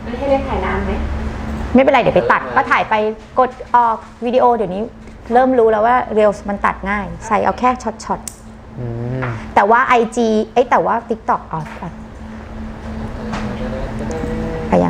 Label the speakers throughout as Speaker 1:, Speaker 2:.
Speaker 1: ให้เรียกถ่ายนานไหม
Speaker 2: ไม่เป็นไรเดี๋ยวไปตัดก็ถ่ายไปกดออกวิดีโอเดี๋ยวนี้เริ่มรู้แล้วว่าเรียลมันตัดง่ายใส่เอาแค่ช็อตแต่ว่า IG แต่ว่า TikTok ไปยัง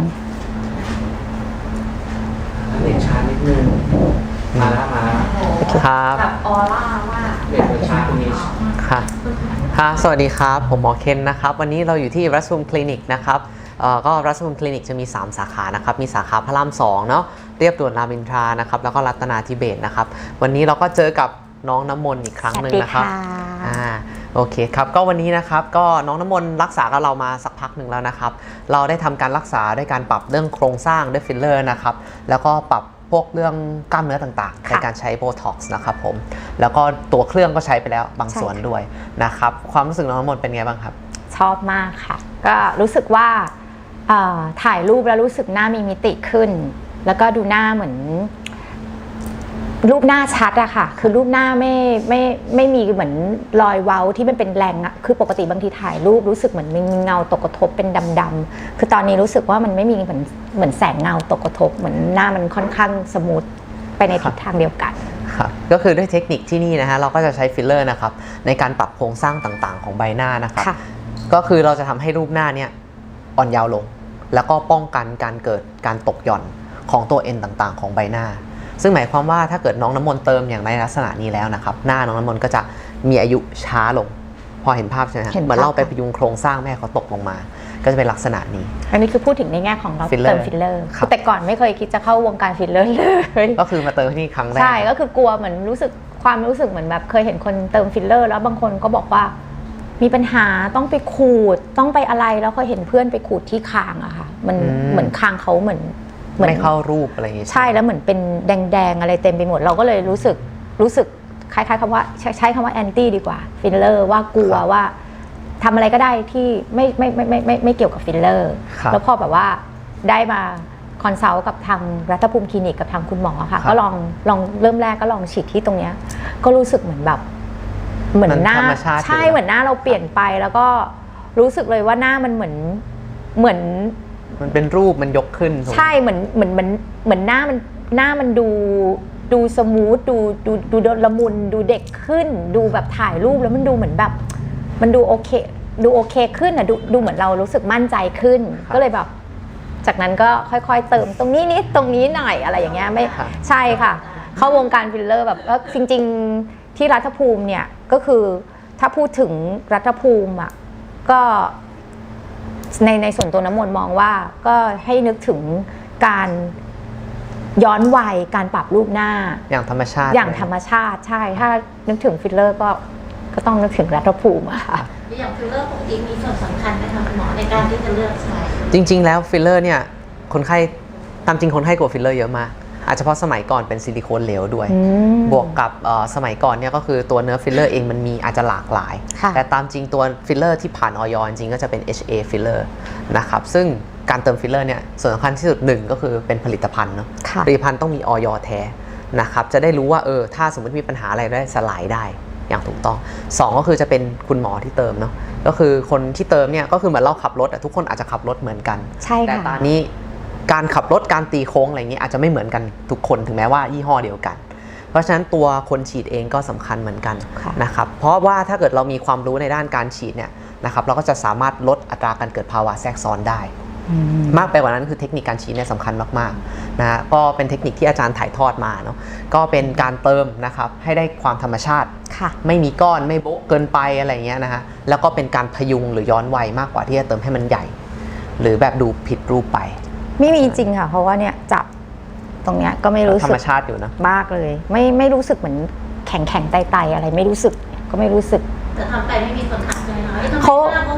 Speaker 3: เด็กช้านิดนึงมาแล้ว
Speaker 1: ครับแบบออร่าว่า
Speaker 3: เด็กช้าตรงนี้
Speaker 4: ค่ะสวัสดีครับผมหมอเคนนะครับวันนี้เราอยู่ที่รัสมุมคลินิกนะครับก็รัสมุมคลินิกจะมี3สาขานะครับมีสาขาพระราม2เนาะเรียบด่วนรามอินทรานะครับแล้วก็รัตนาธิเบศรนะครับวันนี้เราก็เจอกับน้องน้ำมนต์อีกครั้งหนึ่งนะครับโอเคครับก็วันนี้นะครับก็น้องน้ำมนต์รักษากับเรามาสักพักหนึ่งแล้วนะครับเราได้ทำการรักษาด้วยการปรับเรื่องโครงสร้างด้วยฟิลเลอร์นะครับแล้วก็ปรับพวกเรื่องกล้ามเนื้อต่างๆในการใช้โบท็อกซ์นะครับผมแล้วก็ตัวเครื่องก็ใช้ไปแล้วบางส่วนด้วยนะครับความรู้สึกน้องน้ำมนต์เป็นไงบ้างครับ
Speaker 2: ชอบมากค่ะก็รู้สึกว่าถ่ายรูปแล้วรู้สึกหน้ามีมิติขึ้นแล้วก็ดูหน้าเหมือนรูปหน้าชัดอะค่ะคือรูปหน้าไม่มีเหมือนรอยเว้าที่มันเป็นแรงอะคือปกติบางทีถ่ายรูปรู้สึกเหมือนมีเงาตกกระทบเป็นดำๆคือตอนนี้รู้สึกว่ามันไม่มีเหมือนแสงเงาตกกระทบเหมือนหน้ามันค่อนข้างสมูทไปในทิศทางเดียวกัน
Speaker 4: ครับก็คือด้วยเทคนิคที่นี่นะฮะเราก็จะใช้ฟิลเลอร์นะครับในการปรับโครงสร้างต่างๆของใบหน้านะครับก็คือเราจะทำให้รูปหน้าเนี่ยอ่อนยาวลงแล้วก็ป้องกันการเกิดการตกหย่อนของตัวเอ็นต่างๆของใบหน้าซึ่งหมายความว่าถ้าเกิดน้องน้ำมนต์เติมอย่างในลักษณะนี้แล้วนะครับหน้าน้องน้ำมนต์ก็จะมีอายุช้าลงพอเห็นภาพใช่ไหมครับเหมือนเราไปพยุงโครงสร้างแม่เขาตกลงมาก็จะเป็นลักษณะนี้
Speaker 2: อันนี้คือพูดถึงในแง่ของเราเติมฟิลเลอร์แต่ก่อนไม่เคยคิดจะเข้าวงการฟิลเลอร์เลย
Speaker 4: ก็คือมาเติมที่นี่ครั้งแรก
Speaker 2: ใช่ก็คือกลัวเหมือนความรู้สึกเหมือนแบบเคยเห็นคนเติมฟิลเลอร์แล้วบางคนก็บอกว่ามีปัญหาต้องไปขูดต้องไปอะไรแล้วเคยเห็นเพื่อนไปขูดที่คางอะค่ะมันเหมือนคางเขาเหมือน
Speaker 4: ไม่เข้ารูปอะไรอย่างงี้
Speaker 2: ใช่แล้วเหมือนเป็นแดงๆอะไรเต็มไปหมดเราก็เลยรู้สึกคล้ายๆคำว่าใช้คำว่าแอนตี้ดีกว่าฟิลเลอร์ว่ากลัวว่าทำอะไรก็ได้ที่ไม่เกี่ยวกับฟิลเลอร์แล้วพอแบบว่าได้มาคอนซัลท์กับทางรัฐภูมิคลินิกกับทางคุณหมอค่ะก็ลองเริ่มแรกก็ลองฉีดที่ตรงเนี้ยก็รู้สึกเหมือนแบบเหมือนหน้าใช่เหมือนหน้าเราเปลี่ยนไปแล้วก็รู้สึกเลยว่าหน้ามันเหมือน
Speaker 4: มันเป็นรูปมันยกขึ้น
Speaker 2: ใช่เหมือนหน้ามันดูสมูทดูละมุนดูเด็กขึ้นดูแบบถ่ายรูปแล้วมันดูเหมือนแบบมันดูโอเคขึ้นอ่ะดูเหมือนเรารู้สึกมั่นใจขึ้นก็เลยแบบจากนั้นก็ค่อยๆเติมตรงนี้นิดตรงนี้หน่อยอะไรอย่างเงี้ยไม่ใช่ค่ะเข้าวงการฟิลเลอร์แบบจริงๆที่รัฐภูมิเนี่ยก็คือถ้าพูดถึงรัฐภูมิอ่ะก็ในส่วนตัวน้ำมนต์มองว่าก็ให้นึกถึงการย้อนวัยการปรับรูปหน้า
Speaker 4: อย่างธรรมชาติ
Speaker 2: ใช่ถ้านึกถึงฟิลเลอร์ก็ต้องนึกถึงรัฐภูมิอะค่ะ
Speaker 1: อย่างฟิลเลอร์ปกติมีส่วนสำคัญไหมคะคุณหมอในการที่จะเลือกใช้
Speaker 4: จริงๆแล้วฟิลเลอร์เนี่ยคนไข้ตามจริงคนไข้กลัวฟิลเลอร์เยอะมากอาจจะเพราะสมัยก่อนเป็นซิลิโคนเหลวด้วยบวกกับสมัยก่อนเนี่ยก็คือตัวเนื้อฟิลเลอร์เองมันมีอาจจะหลากหลายแต่ตามจริงตัวฟิลเลอร์ที่ผ่านออยจริงก็จะเป็น HA ฟิลเลอร์นะครับซึ่งการเติมฟิลเลอร์เนี่ยส่วนสำคัญที่สุดหนึ่งก็คือเป็นผลิตภัณฑ์เนาะผลิตภัณฑ์ต้องมีออยแท้นะครับจะได้รู้ว่าถ้าสมมติมีปัญหาอะไรได้สลายได้อย่างถูกต้อง2ก็คือจะเป็นคุณหมอที่เติมเนาะก็คือคนที่เติมเนี่ยก็คือเหมือนเราขับรถทุกคนอาจจะขับรถเหมือนกันแต่ตอนนี้การขับรถการตีโค้งอะไรอย่างนี้อาจจะไม่เหมือนกันทุกคนถึงแม้ว่ายี่ห้อเดียวกันเพราะฉะนั้นตัวคนฉีดเองก็สำคัญเหมือนกันนะครับเพราะว่าถ้าเกิดเรามีความรู้ในด้านการฉีดเนี่ยนะครับเราก็จะสามารถลดอัตราการเกิดภาวะแทรกซ้อนได้มากไปกว่านั้นคือเทคนิคการฉีดเนี่ยสำคัญมากๆนะก็เป็นเทคนิคที่อาจารย์ถ่ายทอดมาเนาะก็เป็นการเติมนะครับให้ได้ความธรรมชาติไม่มีก้อนไม่โบ๊ะเกินไปอะไรเงี้ยนะฮะแล้วก็เป็นการพยุงหรือย้อนวัยมากกว่าที่จะเติมให้มันใหญ่หรือแบบดูผิดรูปไป
Speaker 2: ไม่มีจริงค่ะเพราะว่าเนี่ยจับตรงเนี้ยก็ไม่รู้สึก
Speaker 4: ธรรมชาติอยู่นะ
Speaker 2: มากเลยไม่รู้สึกเหมือนแข็งไตอะไรไม่รู้สึกก็ไม่รู้สึก
Speaker 1: แต่ทำไปไม่มีคนทักเลยนะ
Speaker 2: เขา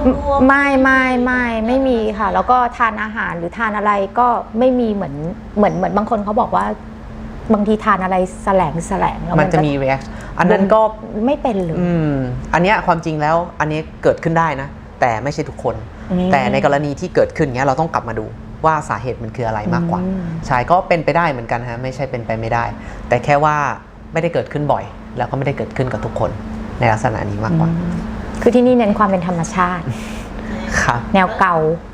Speaker 2: ไม่มีค่ะแล้วก็ทานอาหารหรือทานอะไรก็ไม่มีเหมือนบางคนเขาบอกว่าบางทีทานอะไรแสลงแล้ว
Speaker 4: มันจะมี react อันนั้นก็
Speaker 2: ไม่เป็นเลย
Speaker 4: อันเนี้ยความจริงแล้วอันนี้เกิดขึ้นได้นะแต่ไม่ใช่ทุกคนแต่ในกรณีที่เกิดขึ้นเนี้ยเราต้องกลับมาดูว่าสาเหตุมันคืออะไรมากกว่าใช่ก็เป็นไปได้เหมือนกันฮะไม่ใช่เป็นไปไม่ได้แต่แค่ว่าไม่ได้เกิดขึ้นบ่อยแล้วก็ไม่ได้เกิดขึ้นกับทุกคนในลักษณะนี้มากกว่า
Speaker 2: คือที่นี่เน้นความเป็นธรรมชาติแนวเก่า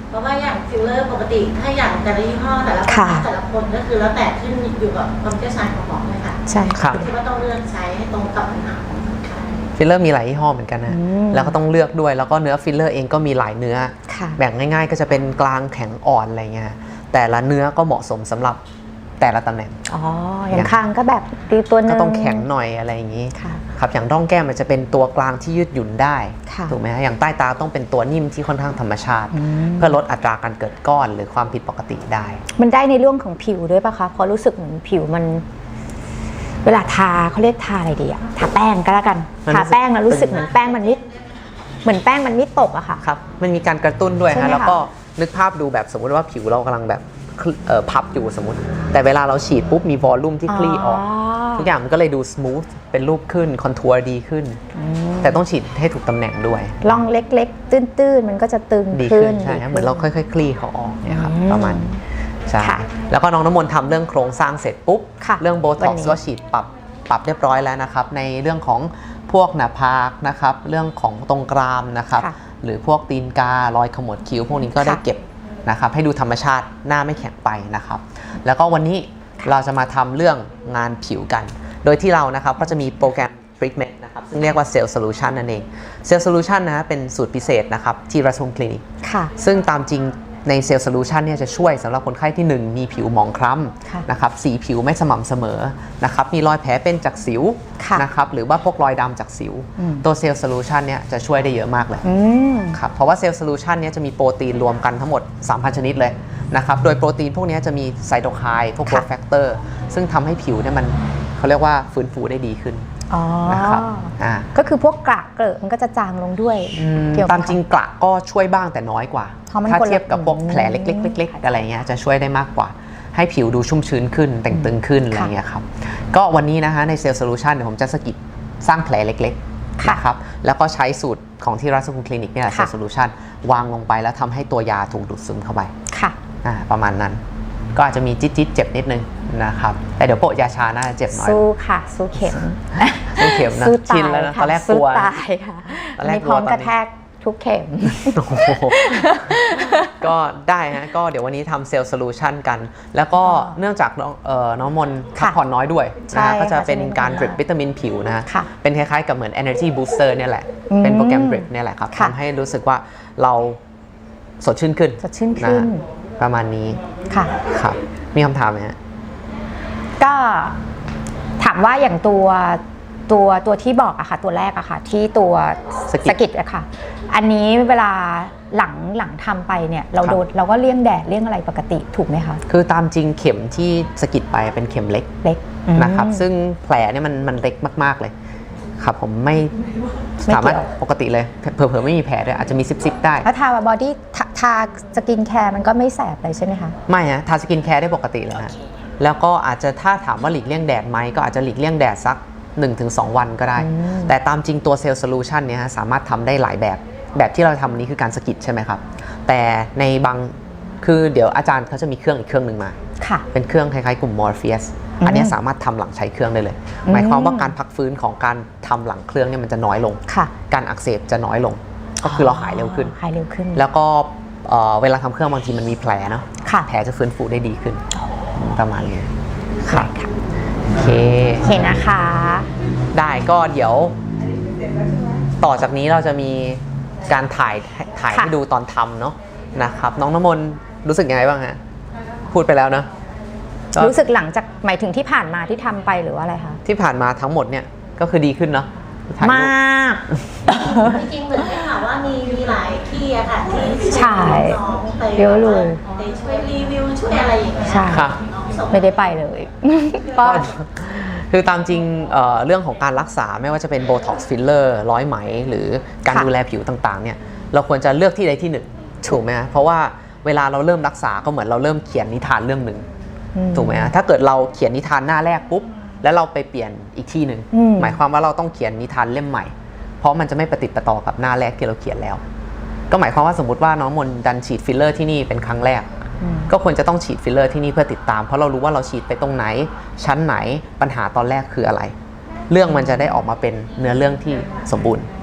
Speaker 1: เพราะว่าอย่างฟิลเลอร์ปกติถ้าอย่างแต่ละยี่ห้อแต่ละ
Speaker 2: ค่ะ
Speaker 1: แต่ละคนก็คือแล้วแต่ขึ้นอยู่กับความเชี่ยวชาญของหมอเลยค่ะ
Speaker 2: ใช่
Speaker 4: ครับ
Speaker 1: ที่ว่าต้องเลือกใช้ให้ตรงกับปัญหาของคนไข้
Speaker 4: ฟิลเลอร์มีหลายยี่ห้อเหมือนกันนะ
Speaker 2: อืม
Speaker 4: แล้วก็ต้องเลือกด้วยแล้วก็เนื้อฟิลเลอร์เองก็มีหลายเนื้อ
Speaker 2: ค่ะ
Speaker 4: แบ่งง่ายๆก็จะเป็นกลางแข็งอ่อนอะไรเงี้ยแต่ละเนื้อก็เหมาะสมสำหรับแต่ละตำแหน่ง
Speaker 2: อ๋ออย่างคางก็แบบดีตัวหนึ
Speaker 4: ก็
Speaker 2: ง
Speaker 4: ต้องแข็งหน่อยอะไรอย่างนี้
Speaker 2: ค่ะ
Speaker 4: ครับอย่างร่องแก้มมันจะเป็นตัวกลางที่ยืดหยุ่นได้
Speaker 2: ค่ะ
Speaker 4: ถูกไหมฮะอย่างใต้ตาต้องเป็นตัวนิ่มที่ค่อนข้างธรรมชาติ
Speaker 2: อืม
Speaker 4: เพื่อลดอัตราการเกิดก้อนหรือความผิดปกติได้
Speaker 2: มันได้ในเรื่องของผิวด้วยปะคะเพราะรู้สึกเหมือนผิวมัน เวลาทาเขาเรียกทาอะไรดีอะทาแป้งก็แล้วกัน
Speaker 4: มัน
Speaker 2: ทาแป้งแล้วรู้สึกเหมือนแป้งมันไม่ตกอะค่ะ
Speaker 4: ครับมันมีการกระตุ้นด้วย
Speaker 2: ใช่ไหม
Speaker 4: ฮะแล้ว
Speaker 2: คะ
Speaker 4: ก็นึกภาพดูแบบสมมุติว่าผิวเรากำลังแบบพับอยู่สมมติ แต่เวลาเราฉีดปุ๊บมีวอลลุ่มที่คลี่ออก ทุกอย่างมันก็เลยดูสมูทเป็นรูปขึ้นคอนทัวร์ดีขึ้น แต่ต้องฉีดให้ถูกตำแหน่งด้วย
Speaker 2: ร่องเล็กๆ ตื้นๆ มันก็จะตึง
Speaker 4: ดี
Speaker 2: ขึ้
Speaker 4: ขึ้
Speaker 2: น
Speaker 4: นใช่ครับเหมือนเราค่อยๆ คลี่เขาออกเนี่ยครับ
Speaker 2: อืม
Speaker 4: ประมาณนี้ใช่
Speaker 2: ค่ะ
Speaker 4: แล้วก็น้องน้ำมนต์ทำเรื่องโครงสร้างเสร็จปุ๊บ
Speaker 2: ค่ะ
Speaker 4: เรื่องโบ
Speaker 2: วั
Speaker 4: ท็อน ก
Speaker 2: นี้
Speaker 4: ซ์ก็ฉีดปรับเรียบร้อยแล้วนะครับในเรื่องของพวกหน้าผากนะครับเรื่องของตรงกรามนะครับ
Speaker 2: ค่ะ
Speaker 4: หรือพวกตีนการอยขมวดคิ้วพวกนี้ก็ได้
Speaker 2: ค่ะ
Speaker 4: เก็บนะครับให้ดูธรรมชาติหน้าไม่แข็งไปนะครับแล้วก็วันนี้เราจะมาทำเรื่องงานผิวกัน โดยที่เรานะครับก็จะมีโปรแกรม Treatment นะครับซึ่งเรียกว่า Cell Solution นั่นเอง Cell Solution นะฮะเป็นสูตรพิเศษนะครับที่รัชมคลินิก
Speaker 2: ค่ะ
Speaker 4: ซึ่งตามจริงใน Cell Solution เนี่ยจะช่วยสำหรับคนไข้ที่ 1 มีผิวหมองคล้
Speaker 2: ค่ะ
Speaker 4: ำนะครับสีผิวไม่สม่ำเสมอนะครับมีรอยแผลเป็นจากสิว
Speaker 2: ค่ะ
Speaker 4: นะครับหรือว่าพวกรอยดำจากสิว
Speaker 2: อืม
Speaker 4: ตัว Cell Solution เนี่ยจะช่วยได้เยอะมากเลย
Speaker 2: อืม
Speaker 4: ครับเพราะว่า Cell Solution เนี่ยจะมีโปรตีนรวมกันทั้งหมด 3,000 ชนิดเลยนะครับโดยโปรตีนพวกนี้จะมีไซโตไคน์พวก
Speaker 2: ค่ะ
Speaker 4: growth factor ซึ่งทำให้ผิวเนี่ยมันเขาเรียกว่าฟื้นฟูได้ดีขึ้น
Speaker 2: อ๋อ
Speaker 4: นะครับ
Speaker 2: ก็คือพวกกระเกลอะมันก็จะจางลงด้วยเกี่ยวกับ
Speaker 4: ตามจริงกระก็ช่วยบ้างแต่น้อยกว่า
Speaker 2: เพราะมัน
Speaker 4: ถ้า
Speaker 2: คนละ
Speaker 4: เทียบกับพวกแผลเล็กๆเล็กๆอะไรเงี้ยจะช่วยได้มากกว่า ให้ผิวดูชุ่มชื้นขึ้น แต่งตึงขึ้นอะไรเงี้ยครับก็วันนี้นะฮะใน Cell Solution เดี๋ยวผมจะสกิปสร้างแผลเล็กๆ
Speaker 2: ค่ะ
Speaker 4: นะครับแล้วก็ใช้สูตรของที่รัชกุลคลินิกเนี่ยแหละ
Speaker 2: ค่ะ
Speaker 4: Cell Solution วางลงไปแล้วทำให้ตัวยาถูกดูดซึมเข้าไป
Speaker 2: ค่ะ
Speaker 4: ประมาณนั้น ก็อาจจะมีจิ๊ดๆเจ็บนิดนึงนะครับแต่เดี๋ยวโปะยาชาน่าจะเจ็บน้อย
Speaker 2: สู้ค่ะ สู้เข็ม
Speaker 4: สู้เข็มนะ
Speaker 2: สู้
Speaker 4: ชิ
Speaker 2: ตาน ย
Speaker 4: แล้วนะ
Speaker 2: ค่ะ
Speaker 4: ตอนแรกก
Speaker 2: สู้
Speaker 4: ลัว
Speaker 2: ตายค่ะ
Speaker 4: ตอนแรก
Speaker 2: มีพร้อม
Speaker 4: กลัว
Speaker 2: กระแทกทุกเข็ม
Speaker 4: โอ้โหก็ได้ฮะก็เดี๋ยววันนี้ทำเซลล์โซลูชันกัน แล้วก็เนื่องจากน้องมนพักผ่อนน้อยด้วย
Speaker 2: ใช่
Speaker 4: นะก็จะ
Speaker 2: ค่ะ
Speaker 4: เป็นการ
Speaker 2: ใช่
Speaker 4: ดริปวิตามินผิวนะ
Speaker 2: ค่ะ
Speaker 4: เป็นคล้ายๆกับเหมือน energy booster เนี่ยแหละ เป็นโปรแกรมดริปเนี่ยแหละครับ
Speaker 2: ค่ะ
Speaker 4: ทำให้รู้สึกว่าเราสดชื่นขึ้น
Speaker 2: สดชื่นขึ้น
Speaker 4: นะประมาณนี้
Speaker 2: ค่ะ
Speaker 4: ครับมีคำถามไหมฮะ
Speaker 2: ก็ถามว่าอย่างตัวที่บอกอะค่ะ ตัวแรกอะค่ะ ที่ตัว
Speaker 4: สกิด
Speaker 2: กิดอะค่ะ อันนี้เวลาหลังทำไปเนี่ย เรา
Speaker 4: ครับ
Speaker 2: โดนเราก็เลี่ยงแดดเลี่ยงอะไรปกติถูกไหมคะ
Speaker 4: คือตามจริงเข็มที่สะกิดไปเป็นเข็มเล็ก
Speaker 2: เล็ก
Speaker 4: นะครับ
Speaker 2: อืม
Speaker 4: ซึ่งแผลเนี่ยมันเล็กมากๆเลยครับผมไม่
Speaker 2: ไม่
Speaker 4: สามารถ
Speaker 2: เกี่ยว
Speaker 4: ปกติเลยเผลอๆไม่มีแผลด้วยอาจจะมีซิบๆได้
Speaker 2: แล้วทาบอดี้ทาสกินแคร์มันก็ไม่แสบเลยใช่ไหมคะ
Speaker 4: ไม่ฮะทาสกินแคร์ได้ปกติเลยฮะแล้วก็อาจจะถ้าถามว่าหลีกเลี่ยงแดดไหมก็อาจจะหลีกเลี่ยงแดดสัก 1-2 วันก็ได้ แต่ตามจริงตัวเซลล์โซลูชันเนี่ยฮะสามารถทำได้หลายแบบที่เราทำนี้คือการสกิดใช่ไหมครับ แต่ในบางคือเดี๋ยวอาจารย์เขาจะมีเครื่องอีกเครื่องหนึ่งมา
Speaker 2: ค่ะ
Speaker 4: เป็นเครื่องคล้ายๆกลุ่ม Morpheus อันเนี้ยสามารถทำหลังใช้เครื่องได้เลย หมายความว่าการพักฟื้นของการทำหลังเครื่องเนี่ยมันจะน้อยลง
Speaker 2: ค่ะ
Speaker 4: การอักเสบจะน้อยลง ก็คือเราหายเร็วขึ้น
Speaker 2: หายเร็วขึ้น
Speaker 4: แล้วก็เวลาทำเครื่องบางทีมันมีแผลเนาะ
Speaker 2: ค่ะ
Speaker 4: แผลจะฟื้นฟูได้ดีขึ้นประมาณนี้ค่ะโอเค
Speaker 2: โอเคนะคะ
Speaker 4: ได้ก็เดี๋ยว ต่อจากนี้เราจะมีการถ่าย
Speaker 2: ค่ะ
Speaker 4: ให้ดูตอนทำเนาะนะครับน้องน้ำมนต์รู้สึกยังไงบ้างฮะพูดไปแล้วเนาะก็
Speaker 2: รู้สึกหลังจากหมายถึงที่ผ่านมาที่ทำไปหรือว่าอะไรคะ
Speaker 4: ที่ผ่านมาทั้งหมดเนี่ยก็คือดีขึ้นเนาะถ่ายรูป
Speaker 2: มาก
Speaker 1: จริงๆเหมือนได้ข่าวว่ามีหลายที่อะค่ะที่
Speaker 2: ใช่
Speaker 1: น้องไป
Speaker 2: เยอะเลย
Speaker 1: ไปช่วยรีวิวช่วยอะไรอย่างเงี้ย
Speaker 2: ใช่
Speaker 4: ครับ
Speaker 1: น้องส่ง
Speaker 2: ไม่ได้ไปเลย ก็
Speaker 4: คือตามจริงเรื่องของการรักษาไม่ว่าจะเป็นโบท็อกซ์ฟิลเลอร์ร้อยไหม หรือการ
Speaker 2: ค่ะ
Speaker 4: ดูแลผิวต่างๆเนี่ยเราควรจะเลือกที่ใดที่หนึ่งถูกไหมฮะเพราะว่าเวลาเราเริ่มรักษาก็เหมือนเราเริ่มเขียนนิทานเรื่องหนึ่งถูกไหมฮะถ้าเกิดเราเขียนนิทานหน้าแรกปุ๊บแล้วเราไปเปลี่ยนอีกที่หนึ่ง
Speaker 2: อืม
Speaker 4: หมายความว่าเราต้องเขียนนิทานเล่มใหม่ เพราะมันจะไม่ประติดประต่อกับหน้าแรกที่เราเขียนแล้ว ก็หมายความว่าสมมติว่าน้องมนดันฉีดฟิลเลอร์ที่นี่เป็นครั้งแรก ก็ควรจะต้องฉีดฟิลเลอร์ที่นี่เพื่อติดตามเพราะเรารู้ว่าเราฉีดไปตรงไหน ชั้นไหนปัญหาตอนแรกคืออะไร เรื่องมันจะได้ออกมาเป็นเนื้อเรื่องที่สมบูรณ์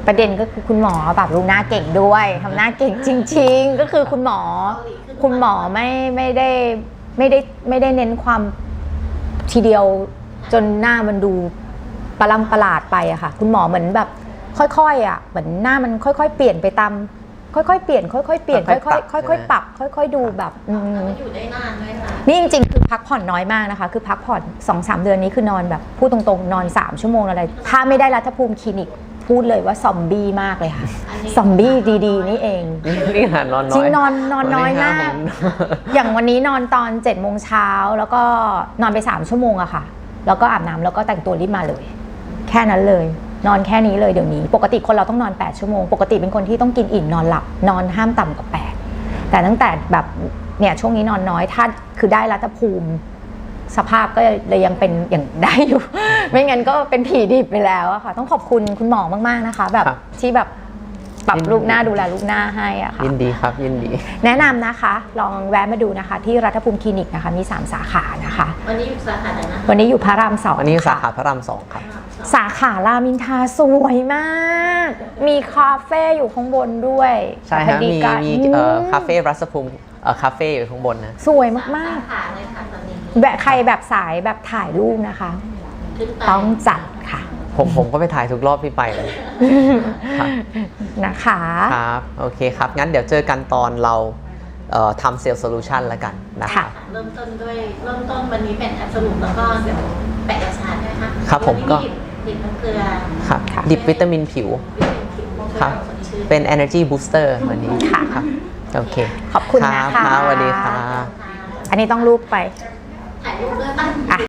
Speaker 2: ประเด็นก็คือคุณหมอแบบรู้หน้าเก่งด้วยทำหน้าเก่งจริง ๆ ก็คือคุณหมอไม่ได้เน้นความทีเดียวจนหน้ามันดูประหลาดไปอะค่ะคุณหมอเหมือนแบบค่อยๆอะเหมือนหน้ามันค่อยๆเปลี่ยนไปตามค่อยๆเปลี่ยนค่อยๆเปลี่ยนค่อยๆปรับค่อยๆดูแบบ
Speaker 1: มันอยู่ได้นานไหมคะ
Speaker 2: นี่จริงๆคือพักผ่อนน้อยมากนะคะคือพักผ่อน 2-3 เดือนนี้คือนอนแบบพูดตรงๆนอน3 ชั่วโมงอะไรถ้าไม่ได้รัฐภูมิคลินิกพูดเลยว่าซอมบี้มากเลยค่ะซอมบี้ดีๆนี่เอง
Speaker 4: นี่หานอนน้อย
Speaker 2: จริงนอนน้อยมาก อย่างวันนี้นอนตอน7 โมงเช้าแล้วก็นอนไป3 ชั่วโมงอะค่ะแล้วก็อาบน้ำแล้วก็แต่งตัวรีบมาเลยแค่นั้นเลยนอนแค่นี้เลยเดี๋ยวนี้ปกติคนเราต้องนอน8 ชั่วโมงปกติเป็นคนที่ต้องกินอิ่มนอนหลับนอนห้ามต่ำกว่า8แต่ตั้งแต่แบบเนี่ยช่วงนี้นอนน้อยถ้าคือได้รัฐภูมิสภาพก็เลยยังเป็นอย่างได้อยู่ ไม่งั้นก็เป็นผีดิบไปแล้วอะค่ะต้องขอบคุณคุณหมอมากๆนะคะแบบที่แบบปรับรูปหน้าดูแลรูปหน้าให้อะค่ะ
Speaker 4: ยินดีครับยินดี
Speaker 2: แนะนำนะคะลองแวะมาดูนะคะที่รัฐภูมิคลินิกนะคะมี3 สาขานะคะ
Speaker 1: วันนี้อยู่สาขาไหนนะ
Speaker 2: วันนี้อยู่พระราม2
Speaker 4: อันนี้สาขาพระราม 2ครับ
Speaker 2: สาขารามอินทราสวยมาก มีคาเฟ่อยู่ข้างบนด้วย
Speaker 4: ใช่ฮะ
Speaker 2: ดี
Speaker 4: มี
Speaker 2: กัน
Speaker 4: คาเฟ่รัศภูมิคาเฟ่อยู่ข้างบนนะ
Speaker 2: สวยมาก
Speaker 1: สาขาเลยค่ะตอนนี้
Speaker 2: ๆแบบใครแบบสายแบบถ่ายรูปนะคะ
Speaker 1: ขึ้นไป
Speaker 2: ต้องจัดค่ะ
Speaker 4: ผมก็ไปถ่ายทุกรอบที่ไปเลยครับ
Speaker 2: นะคะ
Speaker 4: ครับโอเคครับงั้นเดี๋ยวเจอกันตอนเราทำเซลล์โซลูชันแล้วกันนะครับ
Speaker 1: เริ่มต้นวันนี้เป็นแอปสรุปแล้วก็เดี๋ยวแปะกระชาใช่ไหมคะ
Speaker 4: ครับผมก็
Speaker 1: ดิบน้ำเกลือ
Speaker 4: ครับดิบวิตามินผิว
Speaker 1: วิตามินผิว
Speaker 4: ครับ
Speaker 1: สดชื่น
Speaker 4: เป็น energy booster วันนี้
Speaker 2: ค่ะ
Speaker 4: ครับโอเค
Speaker 2: ขอบคุณ
Speaker 4: รับ
Speaker 2: นะคะ
Speaker 4: ครับสวัสดีครับ
Speaker 2: อันนี้ต้องรูปไป
Speaker 1: ถ่ายรูปด้วยป่ะ